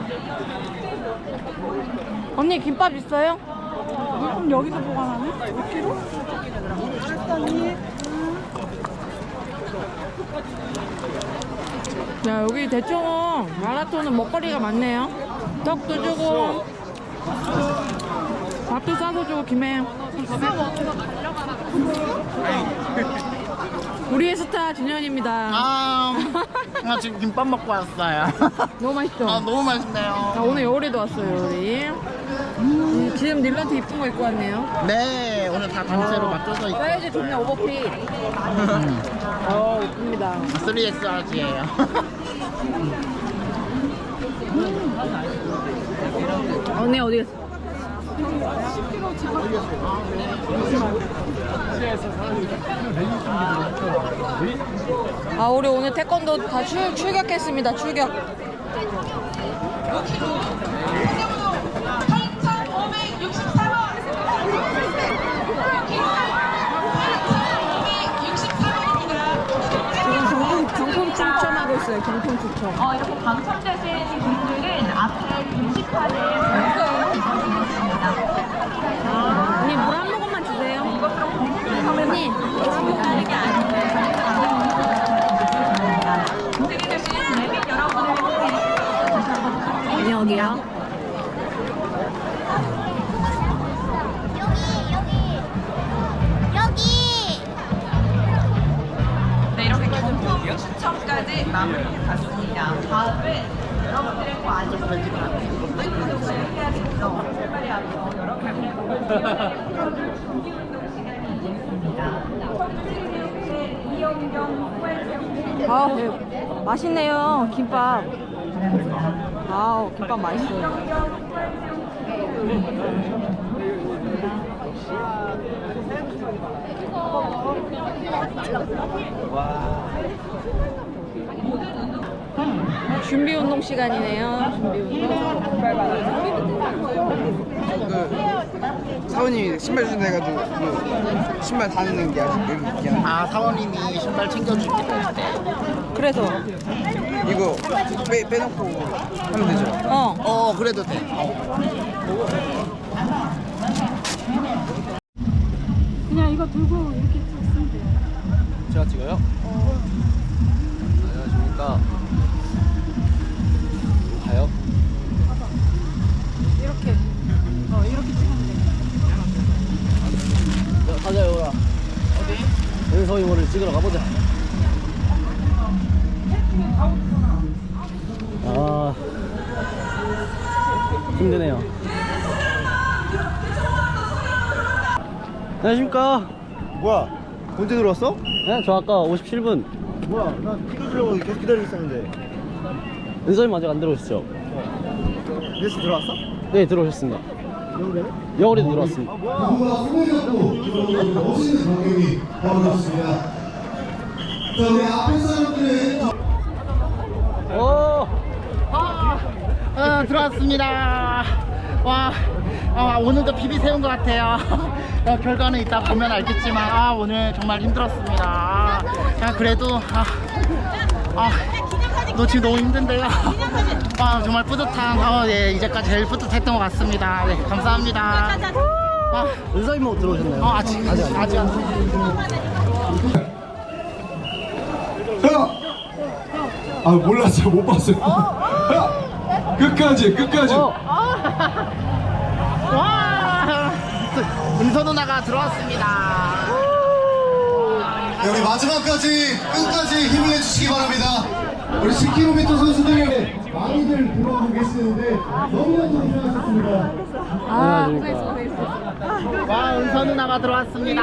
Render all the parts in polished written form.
언니 김밥 있어요? 그럼 여기서 보관하네? 5kg? 했더니 야, 여기 대충 마라톤은 먹거리가 많네요. 떡도 주고 밥도 싸서 주고 김에 우리의 스타 준현입니다. 나 지금 김밥 먹고 왔어요. 너무 맛있죠? 너무 맛있네요. 자, 오늘 여울이도 왔어요. 우리 지금 닐런트 이쁜 거 입고 왔네요. 네, 오늘 다 단체로 맞춰서 있고 사이즈 좋네. 오버핏. 이쁩니다. 3XRG예요. 언니 어디 갔어? 아, 우리 오늘 태권도 다 출격했습니다. 출격. 지금 경품 추첨하고 있어요. 경품 추첨. 이렇게 당첨되신 분들은 앞에 게시판에 있습니다. 언니 물 한 모금만 주세요. 언니 물 한 모금. 준비되신 내빈 여러분을 언니 어디야? 네, 이렇게 경품 추첨까지 마무리해 봤습니다. 다음은 여러분들의 관심 해야겠죠. 출발이 앞서 여러분들의 준비운동 시간이 있습니다. 이영경 후회체육 아, 네. 맛있네요. 김밥. 아우, 김밥 맛있어요. 준비 운동 시간이네요. 준비 운동. 사원님이 신발 주신다 해가지고 그 신발 다니는 게 아직 여기 있긴 한데 사원님이 신발 챙겨줄게. 그래서 이거 빼놓고 하면 되죠? 그래도 돼. 그냥 이거 들고 이렇게 찍으면 돼요. 제가 찍어요? 안녕하십니까. 가요? 이렇게 이렇게 찍으면 돼요. 가자 여우라. 어디? 은서 이모를 찍으러 가보자. 아 힘드네요. 안녕하십니까. 뭐야? 언제 들어왔어? 네, 저 아까 57분. 뭐야? 나 찍어주려고 계속 기다리고 있었는데. 은서님 아직 안 들어오셨죠? 몇 시 들어왔어? 네, 들어오셨습니다. 여우래는? 영월이도 들어왔습니다. 누구나 소개받고 멋있는 광경이 벌어졌습니다. 자, 우리 앞에 사람들은 들어왔습니다. 오늘도 비비 세운 것 같아요. 결과는 이따 보면 알겠지만 오늘 정말 힘들었습니다. 그래도 너 지금 너무 힘든데요. 정말 뿌듯한 이제까지 제일 뿌듯했던 것 같습니다. 네, 감사합니다. 은서 이모 들어오셨나요? 아직 안. 형! 몰랐어요. 못 봤어요. 형! 끝까지. 와! 은서 누나가 들어왔습니다. 네, 우리 마지막까지 끝까지 힘을 내주시기 바랍니다. 우리 10km 선수들 많이들 들어오고 계시는데 너무나도 고생하셨습니다. 와, 은서 누나가 들어왔습니다.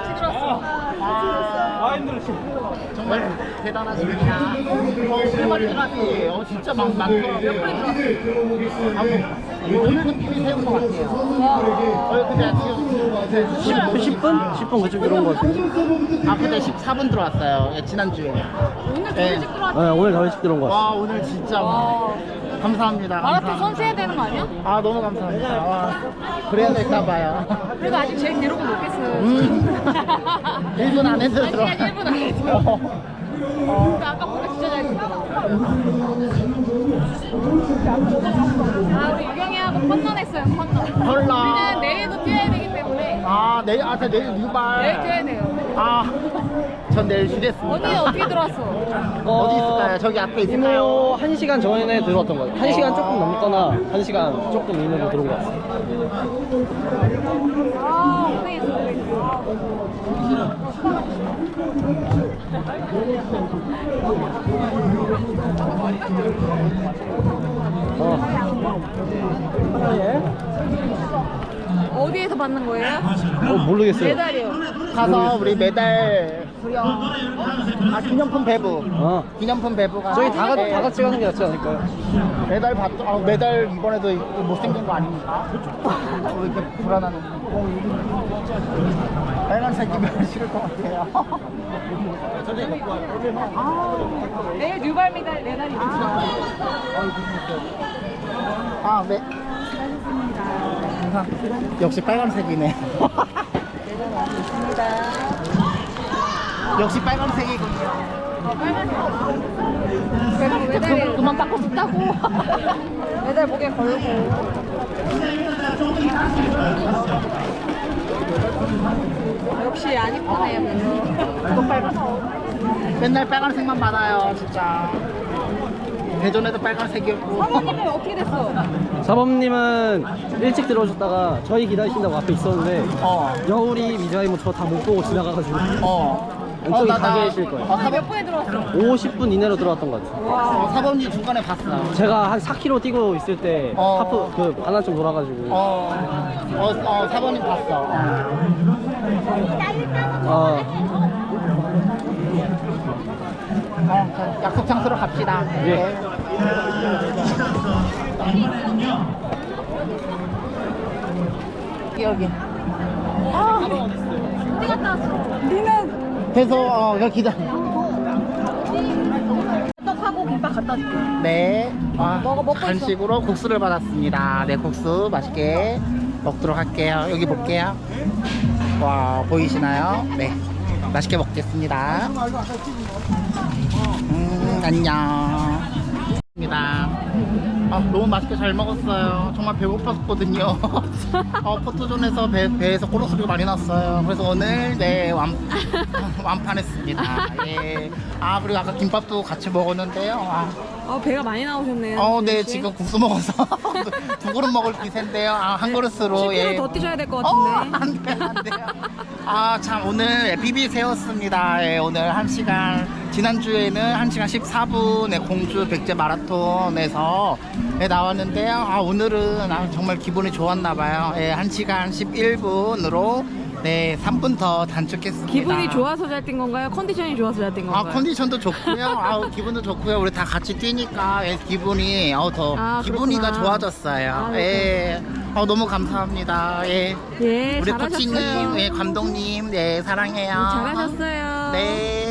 정말 대단하십니다. 대박이라니. 진짜 많더라고요. 많이들 들어오고 계시는데 오늘도 비비 세운 것 같아요. 근데 지금 10분? 10분 그쯤 들어온 것 같은데. 근데 14분 들어왔어요. 지난주에. 오늘 더 일찍 들어왔어요. 네, 오늘 더 일찍 들어온 것 같아요. 오늘 진짜 감사합니다. 마라톤 선수 해야 되는 거 아니야? 너무 감사합니다. 그래야 될까봐요. 그래도 아직 제 기록은 못 깼어요. 1분 안에 들어. 아직 1분 안에 들어. 아까 보니까 진짜 잘 뛰더라고. 아, 우리 유경이하고 컨넌했어요, 컨넌. 헐라. 우리는 내일도 뛰어야 되기 때문에 아, 내일, 내일 유발. 내일 뛰어야 돼요. 아, 전 내일 쉬겠습니다. 언니는 어떻게 들어왔어? 어디 있을까요? 저기 앞에 있을까요? 1시간 전에 들어왔던 것 같아요. 1시간 조금 넘거나 1시간 조금 이내로 들어온 것 같아요. 아, 고생했어, 고생했어. 어디에서 받는 거예요? 모르겠어요. 메달이요. 가서 우리 메달 수령, 기념품 배부. 기념품 배부가. 저희 다 같이 가는 게 낫지 않을까요? 메달 메달 이번에도 못생긴 거 아닙니까? 왜 이렇게 불안하는 빨간색이면 싫을 것 같아요. 내일 뉴발 메달이죠. 네. 역시 빨간색이네. 역시 빨간색이군요. 메달이 그만 닦고 싶다고. 메달 목에 걸고. 역시 안 이쁘네요, 별로. 또 빨간. 맨날 빨간색만 받아요, 진짜. 대전에도 빨간색이었고. 사모님은 어떻게 됐어? 사범님은 일찍 들어오셨다가 저희 기다리신다고 앞에 있었는데 여울이 미자이모 저 다 못 보고 지나가가지고 왼쪽에 가 계실 거예요. 몇 분에 들어왔어? 50분 이내로 들어왔던 것 같아요. 사범님 중간에 봤어요. 제가 한 4km 뛰고 있을 때 하프 그 반환점 돌아가지고 사범님 봤어. 약속 장소로 갑시다. 예. 여기. 어디 갔다 왔어? 그래서 여기 기다. 떡하고 김밥 갖다 줄게. 네. 먹고 있어. 간식으로 국수를 받았습니다. 네, 국수 맛있게 먹도록 할게요. 여기 볼게요. 와, 보이시나요? 네. 맛있게 먹겠습니다. 안녕. 너무 맛있게 잘 먹었어요. 정말 배고팠거든요. 포토존에서 배에서 꼬르 소리가 많이 났어요. 그래서 오늘 완판했습니다. 예. 그리고 아까 김밥도 같이 먹었는데요. 배가 많이 나오셨네요. 네, 지금 국수 먹어서 두 그릇 먹을 기세인데요. 한 그릇으로. 10km 더 뛰셔야 될 것 같은데. 안 돼요, 안 돼요. 참, 오늘 PB 세웠습니다. 예, 오늘 1시간, 지난주에는 1시간 14분에 공주 백제 마라톤에서 나왔는데요. 오늘은 정말 기분이 좋았나봐요. 1시간 11분으로 3분 더 단축했습니다. 기분이 좋아서 잘 뛴 건가요? 컨디션이 좋아서 잘 뛴 건가요? 컨디션도 좋고요. 기분도 좋고요. 우리 다 같이 뛰니까 기분이 더 기분이가 그렇구나. 좋아졌어요. 예. 너무 감사합니다. 예. 예, 우리 잘하셨어요. 코치님, 감독님, 사랑해요. 잘하셨어요. 네.